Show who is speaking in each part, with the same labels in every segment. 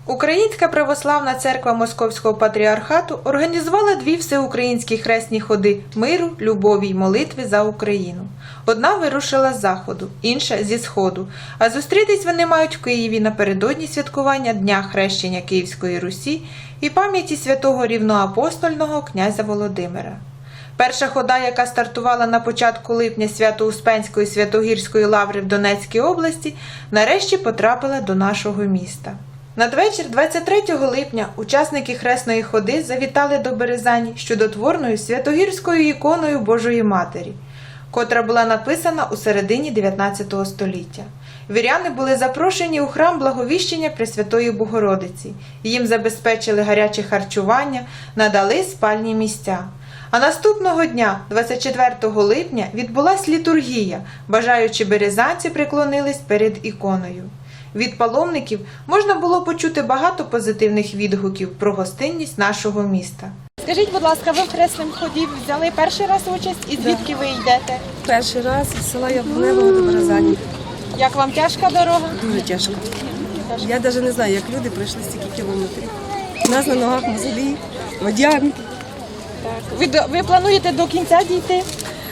Speaker 1: Українська православна церква Московського патріархату організувала дві всеукраїнські хресні ходи миру, любові й молитви за Україну. Одна вирушила з заходу, інша – зі сходу, а зустрітись вони мають в Києві напередодні святкування Дня хрещення Київської Русі і пам'яті святого рівноапостольного князя Володимира. Перша хода, яка стартувала на початку липня Свято-Успенської Святогірської лаври в Донецькій області, нарешті потрапила до нашого міста. Надвечір 23 липня учасники хресної ходи завітали до Березані з чудотворною святогірською іконою Божої Матері, котра була написана у середині 19 століття. Віряни були запрошені у храм Благовіщення Пресвятої Богородиці. Їм забезпечили гаряче харчування, надали спальні місця. А наступного дня, 24 липня, відбулась літургія, бажаючи березанці приклонились перед іконою. Від паломників можна було почути багато позитивних відгуків про гостинність нашого міста.
Speaker 2: Скажіть, будь ласка, ви в хресному ході взяли перший раз участь і звідки ви йдете?
Speaker 3: Перший раз з села Яблуневого до Березані.
Speaker 2: Як вам тяжка дорога?
Speaker 3: Дуже тяжко. Я навіть не знаю, як люди пройшли стільки кілометрів. У нас на ногах мозолі, водянки.
Speaker 2: Ви плануєте до кінця дійти?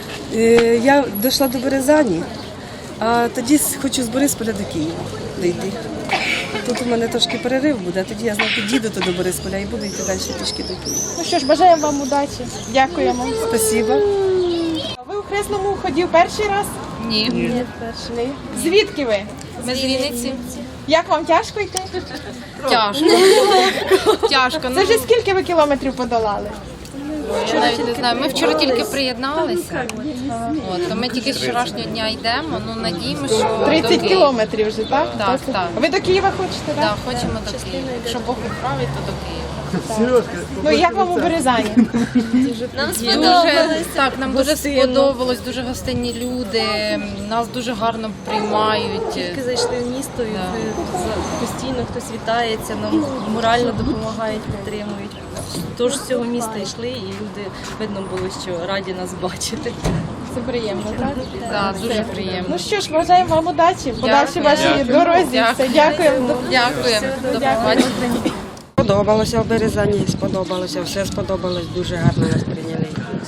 Speaker 3: Я дійшла до Березані, а тоді хочу з Борисполя до Києва дійти. Тут у мене трошки перерив буде, а тоді я знову під'їду до Борисполя і буду йти далі пішки до Києва.
Speaker 2: Ну що ж, бажаємо вам удачі. Дякуємо.
Speaker 3: Спасибо.
Speaker 2: Ви у хресному ході перший раз?
Speaker 4: Ні.
Speaker 2: Ні. Звідки ви?
Speaker 4: Ми з Вінниці.
Speaker 2: Як вам тяжко йти?
Speaker 4: Тяжко. Тяжко.
Speaker 2: Це вже скільки ви кілометрів подолали?
Speaker 4: Я навіть не знаю. Ми вчора тільки приєдналися. От, ми тільки з вчорашнього дня йдемо. Ну, надіємося, що
Speaker 2: 30
Speaker 4: до Києва.
Speaker 2: кілометрів вже, так?
Speaker 4: Так, так.
Speaker 2: Ви до Києва хочете, так?
Speaker 4: Так, хочемо до Києва. Якщо Бог відправить, то до Києва.
Speaker 2: Ну і як вам у Березані?
Speaker 4: Нам сподобалось. Так, нам дуже сподобалось, дуже гостинні люди, нас дуже гарно приймають.
Speaker 5: Тільки зайшли в місто, і постійно хтось вітається, нам морально допомагають, підтримують. Тож з цього міста йшли, і люди, видно було, що раді нас бачити.
Speaker 2: Це приємно, так?
Speaker 4: Так, дуже приємно.
Speaker 2: Ну що ж, бажаємо вам удачі, подальшій вашій дорозі. Все, дякуємо.
Speaker 4: Дякуємо. До побачення.
Speaker 6: Сподобалося в Березані, сподобалося, все сподобалось, дуже гарно нас прийняли.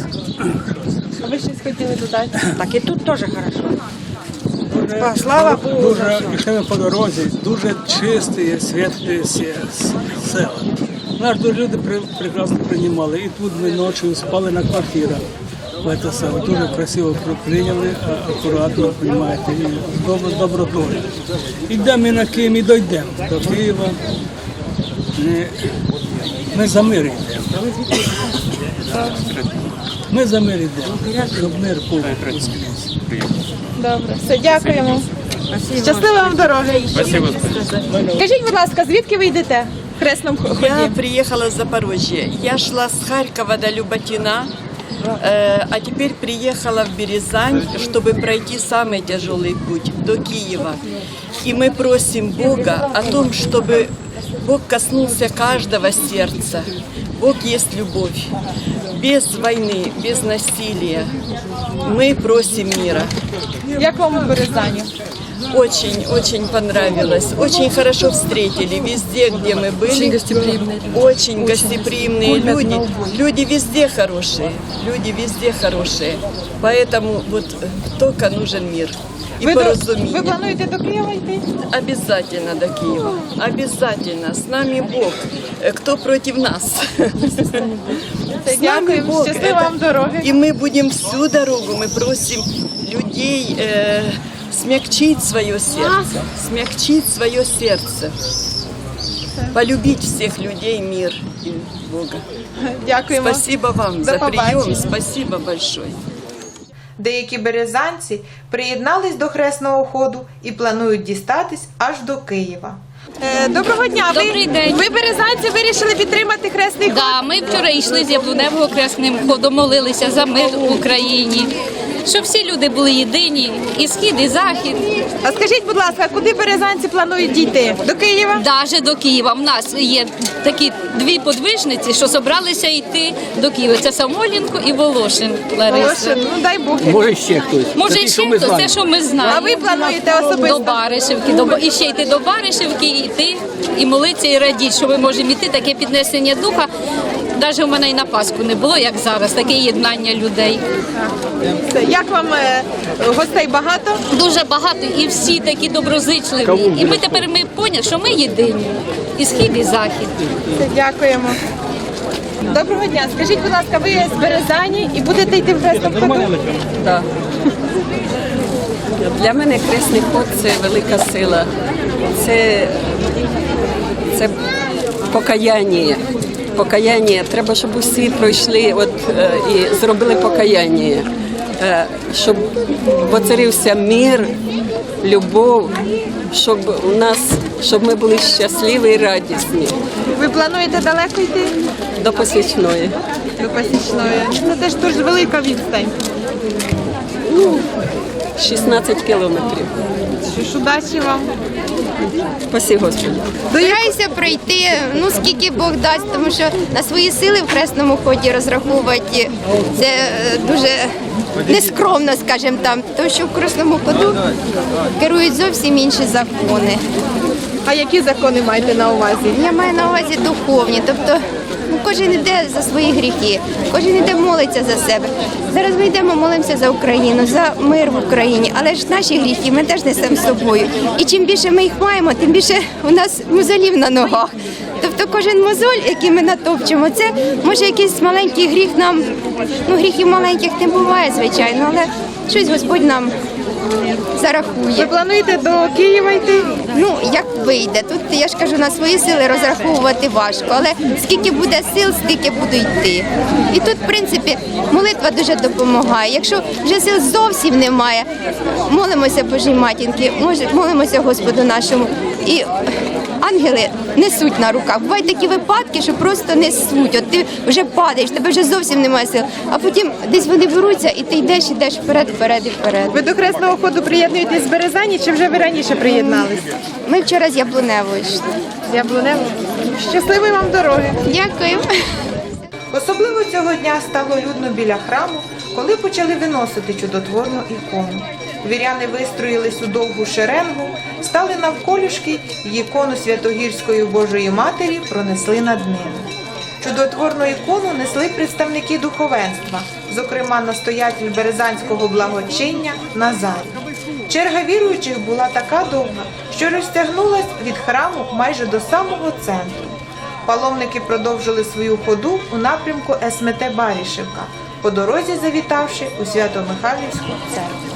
Speaker 2: А ви щось хотіли додати?
Speaker 6: Так і тут теж добре. Слава Богу.
Speaker 7: Дуже йшли по дорозі, дуже чисті, світлі села. Нас дуже люди прекрасно приймали. І тут ми ночі спали на квартирах. В це село. Дуже красиво прийняли, акуратно, приймаєте, і з добротою. Йдемо ми на Київ і дійдемо до Києва. Ми за мир йдемо. Ми за мир йдемо, щоб мир був.
Speaker 2: Добре, все, дякуємо. Щасливо вам дороги. Скажіть, будь ласка, звідки ви йдете в хресному ході?
Speaker 8: Я приехала с Запорожья. Я шла с Харькова до Люботина, а теперь приехала в Березань, чтобы пройти самый тяжелый путь до Киева. И мы просим Бога о том, чтобы Бог коснулся каждого сердца. Бог есть любовь. Без войны, без насилия. Мы просим мира.
Speaker 2: Як вам у Березані?
Speaker 8: Очень понравилось. Очень хорошо встретили везде, где мы были. Очень гостеприимные люди. Очень гостеприимные люди. Люди везде хорошие. Люди везде хорошие. Поэтому вот только нужен мир и поразумение.
Speaker 2: Ви плануєте до Києва йти?
Speaker 8: Обязательно до Киева. Обязательно. С нами Бог. Кто против нас?
Speaker 2: Дякуємо. Щасливо вам дороги.
Speaker 8: И мы будем всю дорогу, мы просим людей смягчить свое сердце, полюбить всех людей, мир и Бога.
Speaker 2: Дякуємо.
Speaker 8: Спасибо вам за прием, спасибо большое.
Speaker 1: Деякі березанці приєднались до хресного ходу і планують дістатись аж до Києва.
Speaker 2: Доброго дня.
Speaker 4: Добрий день.
Speaker 2: Ви березанці вирішили підтримати хресний ход?
Speaker 4: Да, ми вчора йшли з Яблуневого хресним ходом, молилися за мир в Україні.
Speaker 9: щоб всі люди були єдині, і схід, і захід.
Speaker 2: А скажіть, будь ласка, куди березанці планують дійти? До Києва?
Speaker 9: Навіть до Києва. У нас є такі дві подвижниці, що зібралися йти до Києва. Це Самойленко і Волошин Лариса.
Speaker 2: Волошин, ну дай Бог.
Speaker 7: Може ще хтось.
Speaker 9: Може, ще хтось, це що ми знаємо.
Speaker 2: А ви плануєте особисто?
Speaker 9: До Баришівки, і ще йти до Баришівки, і йти, і молитися, і радіти, що ми можемо йти, таке піднесення духа. Навіть у мене і на Пасху не було, як зараз, таке єднання людей.
Speaker 2: Як вам гостей багато?
Speaker 9: Дуже багато, і всі такі доброзичливі. І ми тепер поняли, що ми єдині. І схід, і захід.
Speaker 2: Дякуємо. Доброго дня. Скажіть, будь ласка, ви з Березані і будете йти в хрестом ходу?
Speaker 10: Так. Для мене хресний ход – це велика сила. Це покаяння. Покаяння. Треба, щоб усі пройшли і зробили покаяння. Щоб поцарився мир, любов, щоб ми були щасливі і радісні.
Speaker 2: Ви плануєте далеко йти?
Speaker 10: До Посічної.
Speaker 2: До Посічної. Це теж дуже велика відстань.
Speaker 10: 16 кілометрів.
Speaker 2: Що ж, удачі вам.
Speaker 10: Спасибо, Господи.
Speaker 11: Стараюся пройти, скільки Бог дасть, тому що на свої сили в хресному ході розраховувати це дуже нескромно, скажімо там, тому що в хресному ходу керують зовсім інші закони.
Speaker 2: А які закони маєте на увазі?
Speaker 11: Я маю на увазі духовні, тобто кожен йде за свої гріхи, кожен йде молиться за себе. Зараз ми йдемо, молимося за Україну, за мир в Україні, але ж наші гріхи ми теж несемо з собою. І чим більше ми їх маємо, тим більше у нас мозолів на ногах. Тобто кожен мозоль, який ми натопчемо, це може якийсь маленький гріх нам, гріхів маленьких не буває, звичайно, але щось Господь нам зарахує.
Speaker 2: Ви плануєте до Києва йти?
Speaker 11: Як вийде. Тут, я ж кажу, на свої сили розраховувати важко, але скільки буде сил, стільки буду йти. І тут, в принципі, молитва дуже допомагає. Якщо вже сил зовсім немає, молимося Божій Матінки, молимося Господу нашому. І ангели несуть на руках. Бувають такі випадки, що просто несуть. От ти вже падаєш, тебе вже зовсім немає сил. А потім десь вони беруться, і ти йдеш вперед, вперед і вперед.
Speaker 2: Ви до хресного ходу приєднуєтесь з Березані, чи вже ви раніше приєдналися?
Speaker 11: Ми вчора з Яблуневої йшли.
Speaker 2: З Яблунево. Щасливої вам дороги.
Speaker 11: Дякую.
Speaker 1: Особливо цього дня стало людно біля храму, коли почали виносити чудотворну ікону. Віряни вистроїлись у довгу шеренгу, стали навколішки й ікону Святогірської Божої Матері пронесли над ними. Чудотворну ікону несли представники духовенства, зокрема настоятель Березанського благочиння Назарій. Черга віруючих була така довга, що розтягнулась від храму майже до самого центру. Паломники продовжили свою ходу у напрямку СМТ Баришівка, по дорозі завітавши у Свято-Михайлівську церкву.